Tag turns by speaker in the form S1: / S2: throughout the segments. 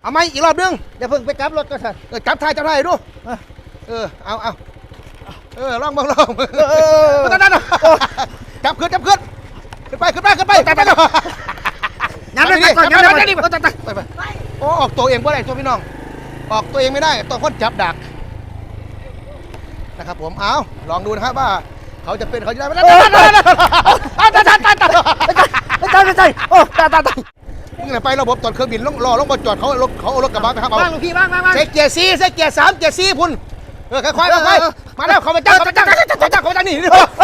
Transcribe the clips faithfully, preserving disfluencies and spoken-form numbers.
S1: เอาไหมอีกรอบนึง
S2: อย่าเพิ่งไปกลับรถก็สั่น
S1: เออจับท้ายจับท้ายดูเออเอาเอาเออลองบ้างลองนั่นนั่นจับขึ้นจับขึ้นขึ้นไปขึ้นไปขึ้นไปจับไปเลยยันไปก่อนยันไปนี่ไปไปโอ้ออกตัวเองบ่ได้ตัวพี่น้องออกตัวเองไม่ได้ต้องคนจับดักนะครับผมเอาลองดูนะครับว่าเขาจะเป็นเขาจะได้ไม่ได้ตายตายตายตายตายตายตายโอ้ตายตายตายนี่ไประบบตรวจเครื่องบินรอลงมาจอดเขารถเขาเอารถกระบะไปครับเอา
S2: บ้างลูกพี่บ้างบ้างบ้าง
S1: ใส่เกียร์ซีใส่เกียร์สามเกียร์ซีพุ่นเออค่อยๆค่อยๆมาแล้วเขาไปจับเขาไปจับเขาไปจับเขาไปจับนี่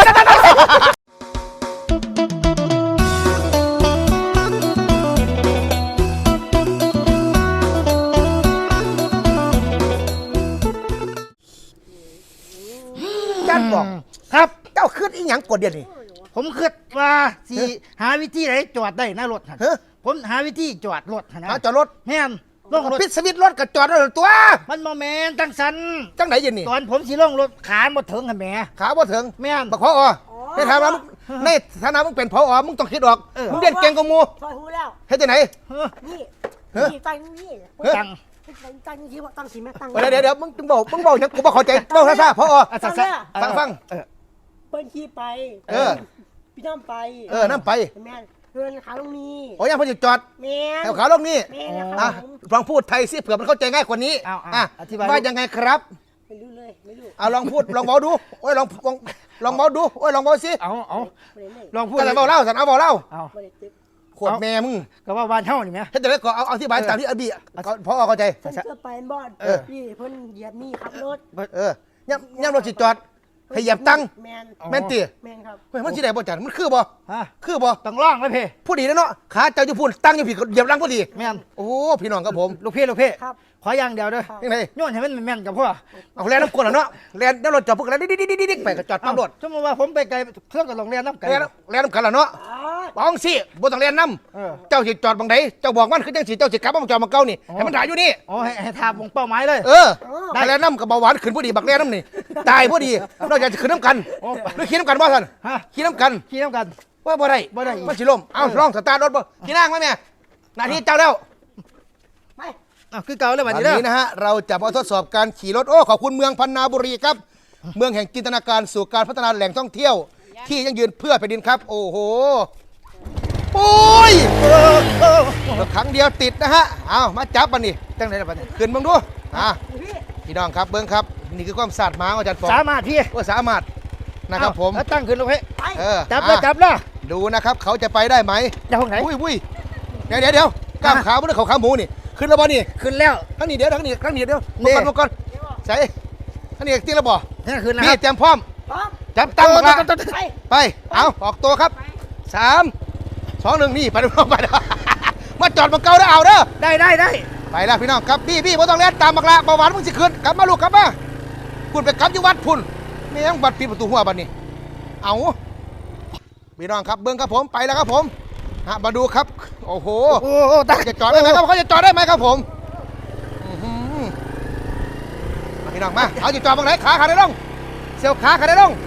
S1: จันบอกครับเจ้าขึ้นอีหยังกดเดียวนี่
S2: ผมคิดว่าสิหาวิธีไหนจอดได้หน้ารถหั่น
S1: เฮ้ย
S2: ผมหาวิธีจอดรถหั่นนะ
S1: หาจอดรถ
S2: แม่นลงรถ
S1: ปิดสวิตช์รถกับจอดรถตัว
S2: มันโมเมนจังสัน
S1: จังไหนยินนี่
S2: ตอนผมสิลงรถขาบ่ถึงหั่นแหม
S1: ขาบ่ถึง
S2: แม่น
S1: บักพอในฐานะในฐานะมึงเป็นพอมึงต้องคิดออกมึงเรียนเก่งกว่ามู
S3: ซอยหูแล้ว
S1: เฮ็ดจังไหน
S2: เฮ้อ
S3: นี่
S1: เฮ้ย
S3: นี่ตั้งนี่
S2: จัง
S3: ตั้งนี่ที่ว่าตั้งสีแม่ตั้ง
S1: เดี๋ยวเดี๋ยวเดี๋ยวมึงมึงบอกมึงบอกยังกูบ่เข้าใจบอกซ่าๆพอ
S2: อ่ะ
S3: ตั้
S2: ซะ
S3: ง
S2: ซะ
S3: เนี่ย
S1: ฟังฟัง
S2: เออ
S3: เปิ้ลขี้ไป
S1: เออ
S3: พี่น้ำไป
S1: เออนั่นไป
S3: แม่เดินขาลงนี้
S1: โอ้ยังพอจะจอด
S3: แม่
S1: แถวขาลงนี่
S3: แม่นะค
S1: อ่ะ
S3: รับผม
S1: ลองพูดไทยสิเผื่อมันเข้าใจง่ายกว่านี้
S2: เอา
S1: อ่ะ
S2: ๆอธิบาย
S1: ว่ายังไงครับ
S3: ไม่รู้เลยไม่รู้
S1: เอาลองพูดลองเบาดูโอ้ยลองลองลองเบาดูโอ้ยลองเบาสิ
S2: เอาเอา
S3: ไม่ได้เลย
S2: ลองพูด
S1: ก็เลยเบาเล่าสันเอาเบาเล่า
S2: เอา
S3: ไม่ได้ตึ๊บ
S1: ขวดแม่มึง
S2: ก็ว่าบ้านเฮานี่แหม
S1: เฮ็ดจังได๋ก็เอาเอาที่บายตามที่อบีพอเข้าใจ
S3: เพิ่นเสื้อไปบอด
S1: เออ
S3: พี่เพิ่นเหยียบนี่ขับรถ
S1: เออย่ำย่ำรถสิจอดให้เหยียบตั้ง
S3: แม่น
S1: แม่นติ
S3: แม่นครับ
S1: เฮ้ยมันสิได้บ่จันมันคือบ่
S2: ฮะ
S1: คือบ่
S2: ต้องร้องเลยเพ่
S1: ผู้ดีนะเนาะขาเจ้าอยู่พุ่นตั้งอยู่ผิดเหยียบหลังพอดี
S2: แม่น
S1: โอ้พี่น้องครับผม
S2: ลูกพี่ลูกพี่
S3: ครับ
S2: ขออย่างเดียวเด้อ
S1: ยังไง
S2: โยนให้มันแม่นๆกับพ่อ
S1: เอาแล่นน้ำกลนแล้วเนาะแล่นแล้วรถจอดพวกแล้วดิ๊กๆๆๆไปก็จอดปั๊มรถ
S2: สมมติว่าผมไปไกลเครื่องกับโรงเรียนน้ำไกล
S1: แล่นแล่นน้ำกันแล้วเนาะ
S3: อ๋อ
S1: บ้องสิบ่ต้องแล่นน้
S2: เออ
S1: ำเจ้าสิจอดบังใดเจ้าบอกมันคือจังสิเจ้าสิกลับมาจอดมาเก่านี่
S2: อ๋อ
S1: ให้มันถ่ายอยู่นี่
S2: อ๋อให้ให้ทาบงเป้าหมายเลย
S1: เออได้แล้วน้ำกับเบาหวานขึ้นพอดีบักแล่น้ำนี่ตายพอดีเราอยากจะขึ้นน้ำกัน
S2: โอ้
S1: หรือขี่น้ำกันบ่ท่าน
S2: ฮะ
S1: ขี่น้ำกัน
S2: ขี่น้ำกัน
S1: ว่าบ่ได้
S2: บ่ได้อีก
S1: มันสิล่มเอาลองสตาร์ทรถบ่ขี่นั่งไหมแม่หน้าที่เจ้าแล้ว
S3: ไป
S2: อ้าวคือเก่าเลย
S1: วั
S2: วัน
S1: น
S2: นี้เด้อ
S1: นี้นะฮะเราจะมาทดสอบการขี่รถโอ้ขอบคุณเมืองพันนาบุรีครับ เมืองแห่งจินตนาการสู่การพัฒนาแหล่งท่องเที่ยว ที่ยั่งยืนเพื่อแผ่นดินครับ โอ้โหโอ้ย
S2: เออเออ
S1: ครั้งเดียวติดนะฮะเอามาจับมันนี่
S2: จังไหนล่ะบัดนี้
S1: ขึ้นเบิ่งดูอ่ะ
S3: พี่
S1: พี่น้องครับเบิ่งครับนี่คือความสาดหมาของอาจารย์ปอง
S2: สามารถพี่
S1: ว่าสามารถนะครับผม
S2: แล้วตั้งขึ้นลูกพี่
S3: ไป
S1: เออ
S2: จับเลย
S1: อ่ะ
S2: จับเลย
S1: ดูนะครับเขาจะไปได้ไหม
S2: จะห้องไหน
S1: อุ้ยอุ้ยเดี๋ยวเดี๋ยวเดี๋ยวกล้าม
S2: ฮะ
S1: ขาไม่ได้เขาขาหมูนี่ขึ้นแล้วบ่นี่
S2: ขึ้นแล้ว
S1: ทั้งนี้เดี๋ยวทั้งนี้ทั้งนี้เดี๋ยว
S2: นี่
S1: มาก่อนมาก่อนใส่ทั้งนี้ตีแล้วบ่
S2: นี่ขึ้นแล้วค
S1: พี่
S2: รับ
S1: เตรียมพร้อม
S3: พร้อม
S1: จับตั้งบักละ
S3: ไป
S1: ไปเอาออกตัวครับสามสองหนึ่งนี่ไปดูไปดูมาจอดมาเกาได้เอาเด้อ
S2: ได้ได้ได้
S1: ไปแล้วพี่น้องครับพี่พี่บ่ต้องเล่นตามบักละเบาหวานมึงสิขึ้นกลับมาลูกกลับมาคุณไปกลับอยู่วัดพุ่นไม่ยังบัดปิดประตูหัวบัดนี้เอาพี่น้องครับเบิ้งครับผมไปแล้วครับผมฮะมาดูครับโอ้โห
S2: โอ้โหตาย
S1: จะจอดได้ไหมครับเขาจะจอดได้ไหมครับผมอื้อหือมาพี่น้องมาเอาจะจอดบังไหนขาขาได้ลงเสียวขาขาได้ลง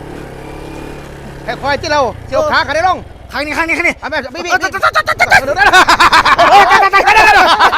S1: ค่อยๆที่เราเสียวขาขาได้ลง
S2: ข้างนี้ข้างนี้ข้างนี้
S1: เอาแม่พี่พี่
S2: โอ้
S1: พี่
S2: ตายตายตายตายตาย
S1: ดูได้เลย
S2: โอ้ตายตายตายตายตายตายตายตายตาย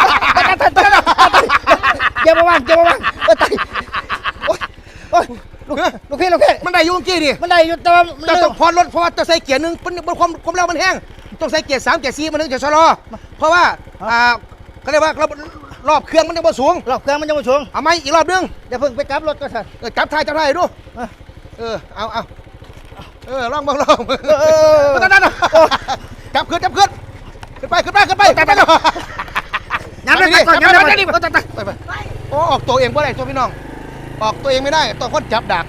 S2: เจ็บบ้างเจ็บบ้างโอ้ตายโอ้ยโอ้ยลูกลูกพี่ลูกพี่
S1: มันได้อยุ่งกี้ดิ
S2: มันได้อยู่แต่ว่ามัน
S1: จะ
S2: เร็
S1: ต้
S2: ว
S1: องพอรถเพราะว่าจะใส่เกียร์หนึ่งมันมันความความเร็วมันแห้งต้องใส่เกียร์สามเกียร์สี่มันถึงจะชะลอเพราะว่าอ่าเขาเรียกว่ารอบรอบเครื่องมันยังบ่สูง
S2: รอบเครื่องมันยังไม่สูง
S1: เอาไหมอีกรอบนึง
S2: อย่าเพิ่งไปกลับรถก็สั่น
S1: เออจับท้ายจับท้ายดู
S2: เออ
S1: เออเอาเอาเออลองบ้างลอง
S2: เออ
S1: นั่นนั่นจับขึ้นจับขึ้นขึ้นไปขึ้นไปขึ้นไปจับไปเลย
S2: ยันไปก่อนยันไปก่อนนี่
S1: ไปไปไปโอ้ออกตัวเองบ่ได้ตัวพี่น้องออกตัวเองไม่ได้ต้องคนจับดัก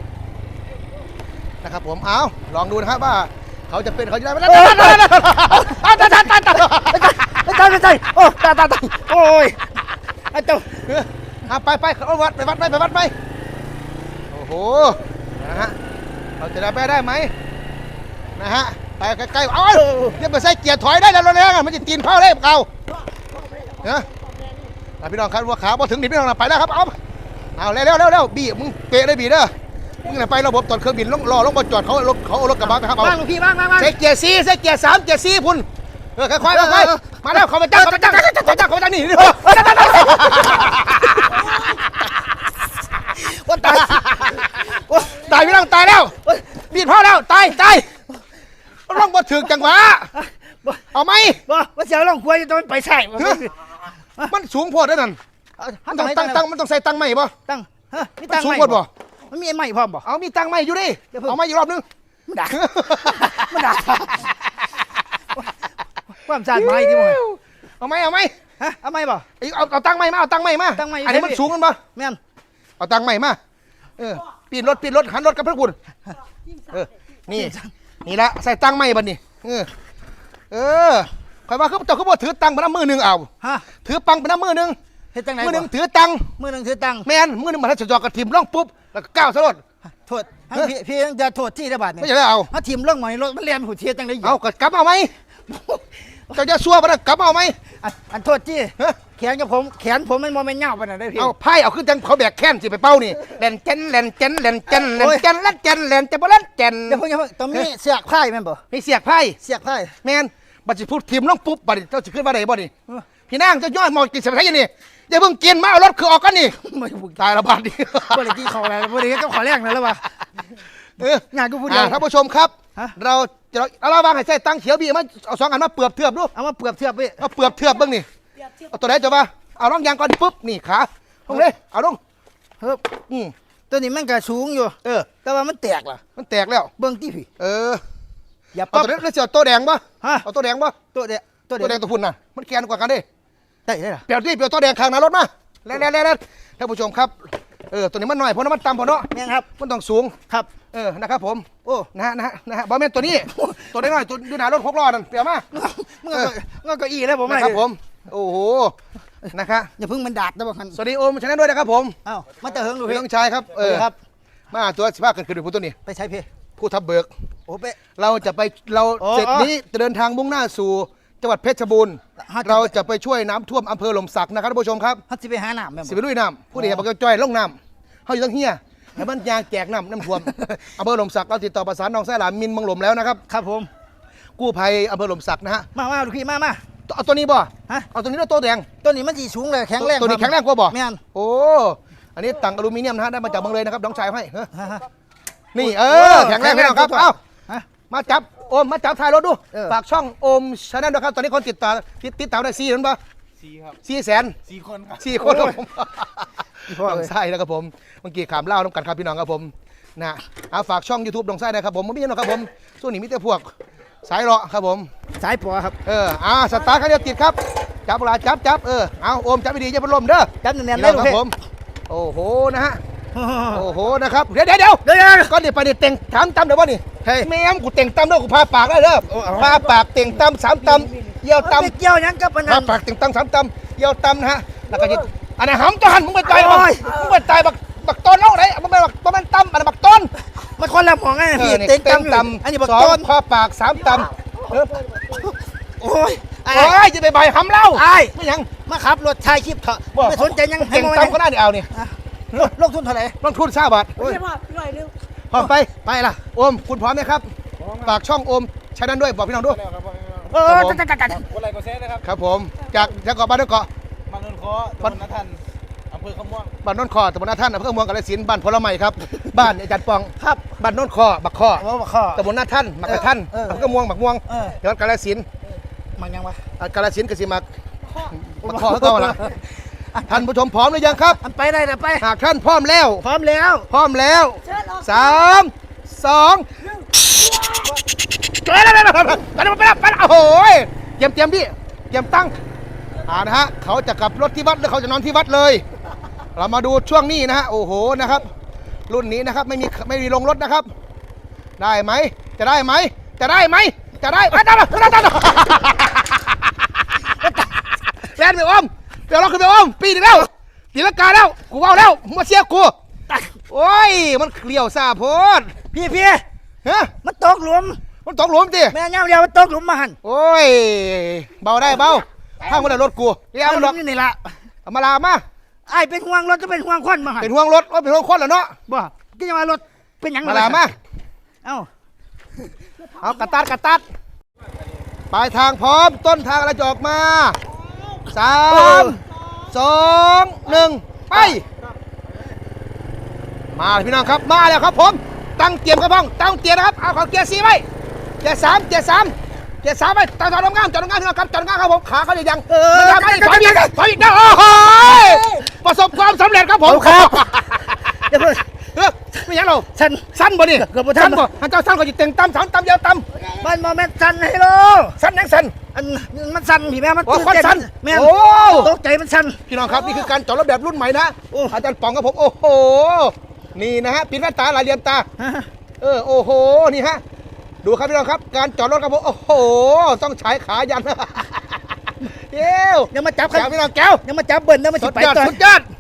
S1: นะครับผมเอาลองดูนะครับว่าเขาจะเป็นเขาจะได้ไม่ได้ตายตายตายตายตายตาย
S2: ตายตายโอ้ตายตายตายโอ้ยไอ้เจ้า
S1: เอาไปไปเอาวัดไปวัดไปไปวัดไปโอ้โหนะฮะเราจะได้ไปได้ไหมนะฮะไปใกล้ๆเอาเรียกมาใส่เกียร์ถอยได้แล้วแล้วมันจะตีนเข้าเลยเอาเนาะพี่น้องครับว่าขาพอถึงดิพี่น้องไปแล้วครับเอาเอาเร็วเร็วเร็วเร็วบีมึงเปะเลยบีเด้อมึงไประบบตรวจเครื่องบินรอลงมาจอดเขารถเขาเอารถกระบะไปครับเอา
S2: บ้างลูกพี่บ้างบ้างบ้าง
S1: ใส่เกียร์ซีใส่เกียร์สามเกียร์ซีพุ่นเออค่อยๆค่อยๆมาแล้วเขาไปจังเขาไปจังเขาไปจังเขาไปจังนี่นี่
S2: ว่าตายโอ้ย
S1: ตายพี่น้องตายแล้วบีดพ่อแล้วตายตายร้องบ่ถึงจังหวะ
S2: บ่
S1: เอาไหม
S2: บ่ว่าเสียวลองคุยจะต้องไปใส่บ่
S1: มันสูงโพดด้วยนั่นมันต้องตั้งตั้งมันต้องใส่ตั้งใหม่บ่
S2: ตั้งฮะมี
S1: มัน
S2: ตั้ง
S1: สูง
S2: ใหม่
S1: โพดบ่
S2: มันมีไอ้ใหม่พร้อมบ่
S1: เอามีตั้งใหม่อยู่ดิ
S2: เดี๋ยวเพิ่ง
S1: เอาใหม่อีกรอบนึง
S2: มันด่ามันด่าความสาดไม้ที่มึง
S1: เอาไหมเอาไหม
S2: ฮะเอาใหม่บ่
S1: เอาเอาตั้งใหม่มาเอาตั้งใหม่มา
S2: ตั้งใหม่
S1: อันนี้มันสูงกันบ่
S2: แม่น
S1: เอาตังค์ใหม่มา เออ ปีนรถปีนรถหันรถกับพระคุณเออ นี่ นี่ละใส่ตังค์ใหม่บัดนี้ เออ เออคอยว่าเขาเจ้าเขาบอกถือตังค์ไปน้ำมือหนึ่งเอา
S2: ฮะ
S1: ถือปังไปน้ำมือหนึ่ง
S2: เฮ็ดจังไหน
S1: มือหนึ่ง
S2: บ่
S1: ถือตังค์
S2: มือหนึงถือตังค์
S1: แมนมือหนึ่งมาทัดจอกกระถิ่มล่องปุ๊บ แล้วก็ก้าวสลด
S2: โทษให้พี่พี่ยังจะโทษที่ได้บาดนี่
S1: ไม่ใช่ได้เอา
S2: ถ้าทีมเรื่องใหม่รถมันเรียนหูเทียจังได๋
S1: เอากลับเอาไหมเจ้าจะซัวไปนะกลับเอาไหม
S2: อันอันโทษที่
S1: ฮะ
S2: แขนกับผมแขนผมมันบ่แม่นยาวปานนั้นได้พี่
S1: เอาไพ่เอาขึ้นจังเขาแบกแค้นสิไปเป้านี่แลนเจนแลนเจนแลนเจนแลนเจนแลนเจนแลนเจนบ่แลนเจน
S2: เดี๋ยวเพิ่งอย่าเพิ่งต้องมีเสียกไพ่แม่นบ่
S1: มีเสียกไพ่
S2: เสียกไพ่
S1: แมนบัดสิพูดทีมล่องปุ๊บบัดนี้เจ้าสิขึ้นมาได้บ่นี่
S2: เออ
S1: พี่นางเจะย่อยหมอกินเสียบไทยนี่อย่าเพิ่งกินมาเอารถคือออกกันนี่
S2: ไม่บุก
S1: ตายละบาดนี่
S2: บ่ได้กินข้าวอะไรบ่ได้ก็ขอแรงนั่นแล้วว่ะ
S1: เออง
S2: านกูพูดเดียว
S1: อ่าท่านผู้ชมครับ
S2: ฮะ
S1: เราจะเอาเราวางให้ใส่ตังเขียวบีมาเอาสองอันมาเปลือบเทือบดู
S2: เอามาเปรียบเทียบพี่
S1: เอาเปลือบเทือบเบ้างนี่
S3: เปรียบเทียบ
S1: เอาตัวไหนจะว่าเอาร่องยางก่อนปุ๊บนี่ขาลงเลยเอาลง
S2: เฮ้ย
S1: อืม
S2: ตัวนี้มันก็สูงอยู่
S1: เออ
S2: แต่ว่ามันแตกล่ะ
S1: มันแตกแล้ว
S2: เบิ่งที่พี่
S1: เออ
S2: อย่า
S1: เอา
S2: ปั๊บ
S1: ตัวนี้แล้วจะเอาตัวแดงปะ
S2: ฮะ
S1: เอาตัวแดงปะ
S2: ตัวเดียวตัว
S1: ตัวแด
S2: เดี
S1: ง
S2: ยว
S1: ตัวพุ่นน่ะมันแกนกว่ากันดิ
S2: ได้ได้ล่ะ
S1: เปลี่ยนที่เปลี่ยนตัวแดงข้างหน้ารถมาแล้วแล้วแล้วท่านผู้ชมครับเออตัวนี้มันหน่อยเพราะน้ำมันต่ำพอเนาะ
S2: แม่นครับ
S1: มันต้องสูง
S2: ครับ
S1: เออ นะครับผม
S2: โอ้
S1: นะฮะ นะฮะ นะฮะบอลแมนตัวนี้ ตัวน้อยๆตัวดูหนารถหกล้อนั่นเปลี่ยนมา
S2: มึงก็มึงก็อีแล้วผม
S1: นะครับผม โอ้โห นะคะ
S2: อย่าเพิ่งมันดาดนะบ่คัน
S1: สวัสดีโอมชนะด้วยนะครับผม
S2: เอ้ามาแต่เฮิงดู
S1: พี่
S2: พี่
S1: ต้องชายครับ เออ
S2: ครับ
S1: มาตัวสิบห้าเกินขึ้นผู้ตัวนี้
S2: ไปใช้พี่
S1: ผู้ทับเบิก
S2: โอ้เป๊ะ
S1: เราจะไป เรา
S2: โอ้
S1: เสร็จนี้จะเดินทางมุ่งหน้าสู่จังหวัดเพชรบูรณ์
S2: ฮะ
S1: เราจะไปช่วยน้ำท่วมอำเภอหล่มสักนะครับท่านผู้ชมครับ
S2: ฮัดสิไปหาน้ำแม่น
S1: สิ
S2: บ่
S1: ไปลุยน้ำผู้ใดอยากบอกจ้อยลงน้ำเขาอยู่ตั้งเฮียให้มันยางแจกน้ำน้ำท่วม อำเภอหล่มสักเราติดต่อประสานน้องไส้หลานมินเมังหลมแล้วนะครับ
S2: ครับผม
S1: กู้ภัยอำเภอหล่มสักนะฮะ
S2: มามาลูกพี่มามา
S1: เอาตัวนี้บ่
S2: ฮะ
S1: เอาตัวนี้แล้วตัวแดง
S2: ตัวนี้มันสิสูงเลยแข็งแรง
S1: ตัวนี้
S2: คบ
S1: แข็งแรงกว่าบ่
S2: แม่น
S1: โอ้ อันนี้ตังอลูมิเนียมนะฮะได้มาจากเมืองเลยนะครับน้องชายให้เฮ้ย
S2: ฮะฮะ
S1: นี่เออแข็งแรงพี่น้องครับ
S2: แข็งแรง
S1: เอ้า
S2: ฮะ
S1: มาจับโอมมาจับท้ายรถดู
S2: เออ
S1: ฝากช่องโอมชาแนลด้วยครับตอนนี้คนติดตามติดติดตามได้สี่นั้นปะ
S4: สี่ครับ
S1: สี่แสน
S4: สี่คนครับ
S1: สี่คนครับผม
S2: พ่อ
S1: น้
S2: เล
S1: อย งไส้นะครับผมเมื่อกี้ขามเล่าน้ำกันครับพี่น้องครับผมนะเอาฝากช่อง YouTube น้องไส้นะครับผมไม่ใช่นะครับผมส่วนนี้มีแต่พวกสายเลาะครับผม
S2: สายปอครับ
S1: เอออ่าสตาร์ทคันเดียวติดครับจับเวลาจับจับเออเอาโอมจับไปดีอย่าเป็นลมเด้อ
S2: จับแน่นๆ
S1: พี่
S2: ได้
S1: น้อง
S2: ลู
S1: ค
S2: ก
S1: รับ
S2: พี่
S1: ผมโอ้โหนะฮะโอ้โหนะครับเดี๋ยวเดี๋ยวเดี๋ยว
S2: เดี๋ยว
S1: ก็เดี๋ยวไปเดี๋ยวเต่งถามตำเดี๋ยวว่านี่
S2: เฮ้ย
S1: แม่มกูเต่งตำเด้อกูพาปากได้เด้อ
S2: โอ้เอา
S1: พาปากเต่งตำสามตำเยี่ยวต
S2: ไปเกี่ยวหยังกับอัน
S1: ำพา
S2: นั้น
S1: ปากเต่งตำสามตำเยี่ยวตำนะฮะแล้วก็จะอันไหนหำตัวหันมึงไปตายบัก
S2: โอ้ย
S1: มึงไปตายบักบักต้นเล่าไหนมันเป็นบักต้นมันตำอันนั้นบักต้น
S2: มันคนละหมองไง
S1: เอ
S2: พี่
S1: อนี่
S2: เต็ง
S1: เต่ง
S2: ตำ
S1: ตำ
S2: อันนี้บัก
S1: สอง
S2: ต้น
S1: พาปากสามตำเออ
S2: โอ้ยไอ้
S1: โอ้ยจะไปใบหำเล่า
S2: ไอ้
S1: ไม่ยัง
S2: มาขับรถชายคลิปเถอะ
S1: บ่
S2: ไม่สนใจยังให้
S1: เต่ง
S2: มอง
S1: ตำก็ได้เดี๋ยวเอานี่
S2: ลงทุนเท่าไหร่
S1: ลงทุนห้าบาท
S3: ไม่ใช่ว่าหน่อยนึง
S1: พร้อมไป
S2: ไปล่ะ
S1: โอมคุณพร้อมไหมครับฝากช่องโอมใช้นั้นด้วยบอกพี่น้องด้วย
S4: แล้วครับ
S2: เออ
S1: ครับผม
S2: จัดจัดจัด
S4: กดไลค์กดแชร์นะครับ
S1: ครับผมจากจากเกาะบ้านนนเกาะ
S4: บางนนท์คอตำบลนาทันอำเภอขม่วง
S1: บ้านนนคอตำบลนาท่านอำเภอเมืองกาฬสินธุ์บ้านพลไม้ครับ บ้านอาจารย์ปอง
S2: ครับ
S1: บ้านนนคอบักคอ
S2: ว่าบักข้อ
S1: ตำบลนาท่านมักกะท่าน
S2: เออ
S1: อำเภอม่วงบักม่วง
S2: เออ
S1: จังหวัดกาฬสินธุ์
S2: มันยังวะ
S1: อ่ากาฬสินธุ์กสิมักบักคอเขาก็ละท่านผู้ชมพร้อมหรือยังครับ
S2: อันไปได้แต่ไป
S1: หากท่านพร้อมแล้ว
S2: พร้อมแล้ว
S1: พร้อมแล้ว
S3: เชิญออก
S1: สามสองเจอแล้วไปแล้วไปแล้วไปแล้วโอ้โหเตรียมเตรียมพี่เตรียมตั้งอ่านะฮะเขาจะกลับรถที่วัดหรือเขาจะนอนที่วัดเลย เรามาดูช่วงนี้นะฮะโอ้โหนะครับ รุ่นนี้นะครับไม่มีไม่มีลงรถนะครับ ได้ไหมจะได้ไหมจะได้ไหมจะได้ไปตามมาตามมาแลนไปอมเดี๋ยวเราขึ้นไปอมปีนึงแล้วตีลังกาแล้วกูเอาแล้วมาเชียร์กูโอ้ยมันเกลียวซาโพด
S2: พี่พี่
S1: ฮะ
S2: มันตกหลุม
S1: มันตกหลุมสิ
S2: แม่ย่าเดียวมันตกหลุมมาหัน
S1: โอ้ยเบาได้เบาข้างมันได้รถกูเรียกมัน
S2: ห
S1: หร
S2: ลุ
S1: อก
S2: มอยู่นี่ละ
S1: เอามาลามา
S2: ไอ้เป็นห่วงรถจะเป็นห่วงควันมาหัน
S1: เป็นห่วงรถว่าเป็นห่วงคนเหรอเนาะ
S2: บ่ก็จะมารถเป็นหยัง
S1: มาลามา
S2: เอ้า
S1: เอากระตัดกระตัดไปปลายทางพร้อมต้นทางอะไรจะออกมาสามสองหนึ่งไปมาเลยพี่น้องครับมาแล้วครับผมตั้งเตรียมกระพ้องตั้งเตรียมนะครับเอาของเกียร์สี่ไว้เกียร์สามเกียร์สามเกียร์สามไว้จอดจอดน้ำงามจอดน้ำงามพี่น้องครับจอดน้ำงามครับผมขาเขาจะยัง
S2: เออ
S1: มันยังไม่ถอยอีกถอยอีกนะโอ้โหประสบความสำเร็จครับผม
S2: ครับ เดี๋ยวเพิ่ง
S1: เออไม่ยังเรา
S2: ฉัน
S1: สั้นบ่นี่
S2: เกือบบ่ทัน
S1: สั้นบ่อันเจ้าสั้นก็จะเต็งตำสามตำเดียวตำ
S2: มันมาแม่นสันให้โล
S1: สั้นยังสั้น
S2: อันมันสันพี่แม่มัน
S1: โอ้
S2: ตื่น
S1: คน
S2: เต้น
S1: สั้น
S2: แม่น
S1: โอ้
S2: ตกใจมันสัน
S1: พี่น้องครับนี่คือการจอดรถแบบรุ่นใหม่นะ
S2: โอ้
S1: อาจารย์ป๋องกับผมโอ้โหนี่นะฮะปิดแว่นตาหลายเหลี่ยมตา
S2: ฮะ
S1: เออโอ้โหนี่ฮะดูครับพี่น้องครับการจอดรถครับผมโอ้โหต้องใช้ขายัน เย้ว
S2: ยังมาจับ
S1: แก้วพี่น้องแก้ว
S2: ยังมาจับเบิ้ลนะมัน
S1: สุ
S2: สิ
S1: ด
S2: ไป
S1: ยอด
S2: ต่อ
S1: สุดยอด